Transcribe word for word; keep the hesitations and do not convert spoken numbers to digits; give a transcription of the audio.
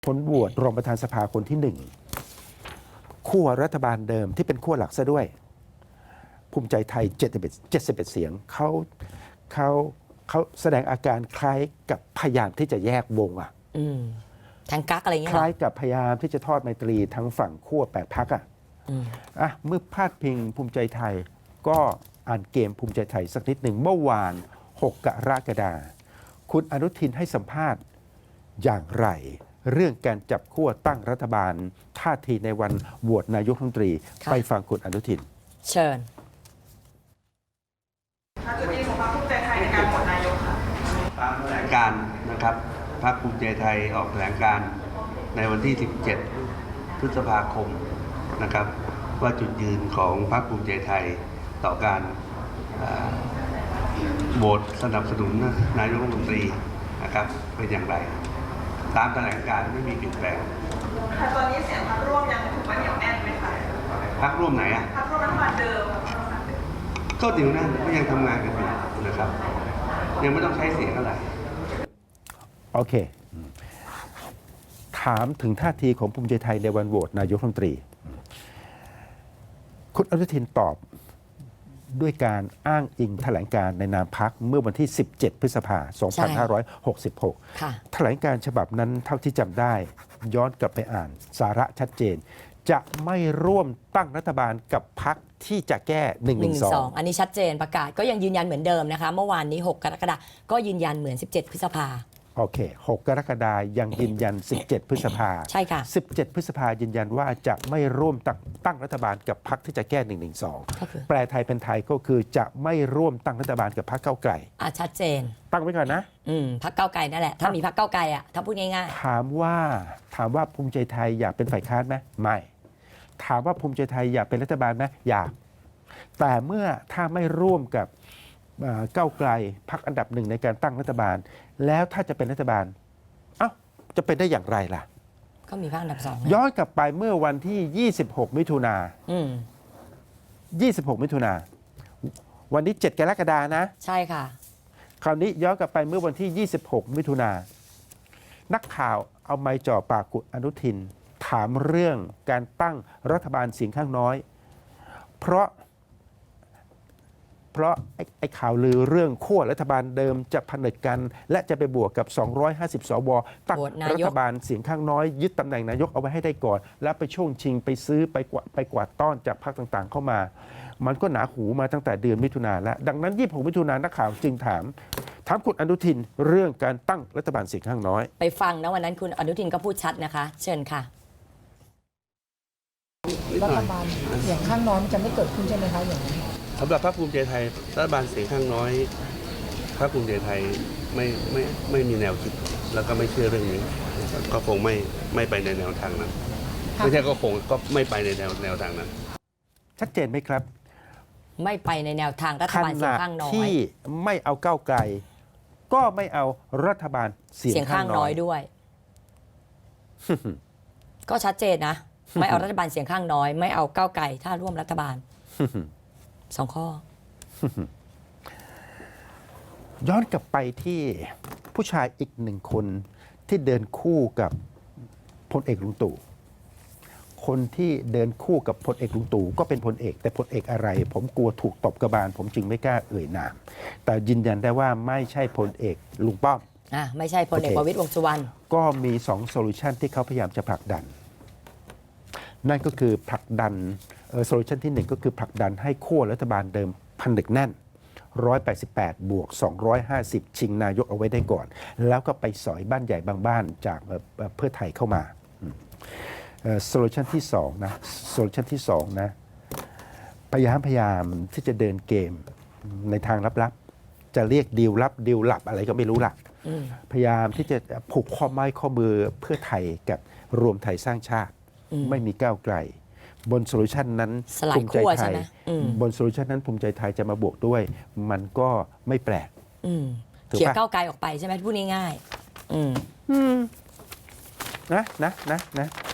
ผลโหวตรองประธานสภาคนที่หนึ่งขั้วรัฐบาลเดิมที่เป็นขั้วหลักซะด้วย ภูมิใจไทยเจ็ดสิบเอ็ดเสียงเขาเขาเขาแสดงอาการคล้ายกับพยายามที่จะแยกวงอ่ะอืมทางกักอะไรเงี้ยคล้ายกับพยายามที่จะทอดไมตรีทั้งฝั่งขั้วแปดพักอ่ะอืมอ่ะเมื่อพาดพิงภูมิใจไทยก็อ่านเกมภูมิใจไทยสักนิดหนึ่งเมื่อวานหกกรกฎาคมคุณอนุทินให้สัมภาษณ์อย่างไร เรื่องการจับขั้วตั้งรัฐบาลท่าทีในวันโหวตนายกรัฐมนตรีไปฟังคุณอนุทินเชิญจุดยืนของพรรคภูมิใจไทยในการโหวตนายกค่ะตามแถลงการนะครับพรรคภูมิใจไทยออกแถลงการในวันที่ สิบเจ็ด พฤษภาคมนะครับว่าจุดยืนของพรรคภูมิใจไทยต่อการโหวตสนับสนุนนายกรัฐมนตรีนะครับเป็นอย่างไรตามแถลงการไม่มีเปลี่ยนแปลงค่ะตอนนี้เสียงพรรคร่วมยังถือว่าเหนียวแน่นไหมคะพรรคร่วมไหนอ่ะพรรคร่วมรัฐบาลเดิมก็เหนียวแน่นก็ยังทำงานกันอยู่นะครับยังไม่ต้องใช้เสียงอะไรโอเคถามถึงท่าทีของภูมิใจไทยในวันโหวตนายกรัฐมนตรีคุณอนุทินตอบด้วยการอ้างอิงแถลงการในนามพรรคเมื่อวันที่ สิบเจ็ด พฤษภาคม สองพันห้าร้อยหกสิบหก แถลงการฉบับนั้นเท่าที่จำได้ย้อนกลับไปอ่านสาระชัดเจน จะไม่ร่วมตั้งรัฐบาลกับพรรคที่จะแก้หนึ่งหนึ่งสองอันนี้ชัดเจนประกาศก็ยังยืนยันเหมือนเดิมนะคะเมื่อวานนี้หกกรกฎาคมก็ยืนยันเหมือนสิบเจ็ดพฤษภาโอเคหกกรกฎาคมยังยืนยันสิบเจ็ดพฤษภาใช่ค่ะสิบเจ็ดพฤษภายืนยันว่าจะไม่ร่วมตั้งตั้งรัฐบาลกับพรรคที่จะแก้หนึ่งหนึ่งสองแปลไทยเป็นไทยก็คือจะไม่ร่วมตั้งรัฐบาลกับพรรคก้าวไกลอ่ะชัดเจนตั้งไว้ก่อนนะอืมพรรคก้าวไกลนั่นแหละถ้ามีพรรคก้าวไกลอ่ะถ้าพูดง่ายๆถามว่าถามว่าภูมิใจไทยอยากเป็นฝ่ายค้านไหมไม่ถามว่าภูมิใจไทยอยากเป็นรัฐบาลไหมอยากแต่เมื่อถ้าไม่ร่วมกับก้าวไกลพรรคอันดับหนึ่งในการตั้งรัฐบาลแล้วถ้าจะเป็นรัฐบาลเอ้าจะเป็นได้อย่างไรล่ะก็มีพรรคอันดับสองย้อนกลับไปเมื่อวันที่ยี่สิบหกมิถุนาอืมยี่สิบหกมิถุนาวันนี้เจ็ดกรกฎาคมนะใช่ค่ะคราวนี้ย้อนกลับไปเมื่อวันที่ยี่สิบหกมิถุนานักข่าวเอาไมค์จ่อปากคุณอนุทินถามเรื่องการตั้งรัฐบาลเสียงข้างน้อยเพราะเพราะไอ้ไอ้ข่าวลือเรื่องขั้วรัฐบาลเดิมจะผนึกกันและจะไปบวกกับสองร้อยห้าสิบสวตั้งรัฐบาลเสียงข้างน้อยยึดตำแหน่งนายกเอาไว้ให้ได้ก่อนแล้วไปช่วงชิงไปซื้อไปกวาดไปกวาดต้อนจากพรรคต่างๆเข้ามามันก็หนาหูมาตั้งแต่เดือนมิถุนาแล้วดังนั้นยี่สิบหกมิถุนานักข่าวจึงถามถามคุณอนุทินเรื่องการตั้งรัฐบาลเสียงข้างน้อยไปฟังนะวันนั้นคุณอนุทินก็พูดชัดนะคะเชิญค่ะรัฐบาลเสียงข้างน้อยจะไม่เกิดขึ้นใช่ไหมคะอย่างนี้สำหรับพรรคภูมิใจไทยรัฐบาลเสียงข้างน้อยพรรคภูมิใจไทยไม่ไม่ไม่มีแนวคิดแล้วก็ไม่เชื่อเรื่องนี้ก็คงไม่ไม่ไปในแนวทางนั้นไม่ใช่ก็คงก็ไม่ไปในแนวแนวทางนั้นชัดเจนไหมครับไม่ไปในแนวทางรัฐบาลเสียงข้างน้อยที่ไม่เอาก้าวไกลก็ไม่เอารัฐบาลเสียงข้างน้อยด้วย ก็ชัดเจนนะไม่เอารัฐบาลเสียงข้างน้อยไม่เอาก้าวไกลถ้าร่วมรัฐบาลสองข้อย้อนกลับไปที่ผู้ชายอีกหนึ่งคนที่เดินคู่กับพลเอกลุงตู่คนที่เดินคู่กับพลเอกลุงตู่ก็เป็นพลเอกแต่พลเอกอะไรผมกลัวถูกตบกระบาลผมจึงไม่กล้าเอ่ยนามแต่ยืนยันได้ว่าไม่ใช่พลเอกลุงป้อมอ่ะไม่ใช่พลเอกประวิตรวงษ์สุวรรณก็มีสองโซลูชันที่เขาพยายามจะผลักดันนั่นก็คือผลักดันโซลูชันที่หนึ่งก็คือผลักดันให้ขั้วรัฐบาลเดิมผนึกแน่นหนึ่งร้อยแปดสิบแปดบวกสองร้อยห้าสิบชิงนายกเอาไว้ได้ก่อนแล้วก็ไปสอยบ้านใหญ่บางบ้านจากเพื่อไทยเข้ามาโซลูชันที่สองนะโซลูชันที่สองนะพยายามพยายามที่จะเดินเกมในทางลับๆจะเรียกดีลลับดีลลับอะไรก็ไม่รู้ล่ะพยายามที่จะผูกข้อไม้ข้อมือเพื่อไทยกับรวมไทยสร้างชาติไม่มีก้าวไกลบนโซลูชันนั้นภูมิใจไทยบนโซลูชันนั้นภูมิใจไทยจะมาบวกด้วยมันก็ไม่แปลกเขี่ยก้าวไกลออกไปใช่ไหมพูดง่ายๆนะนะนะนะ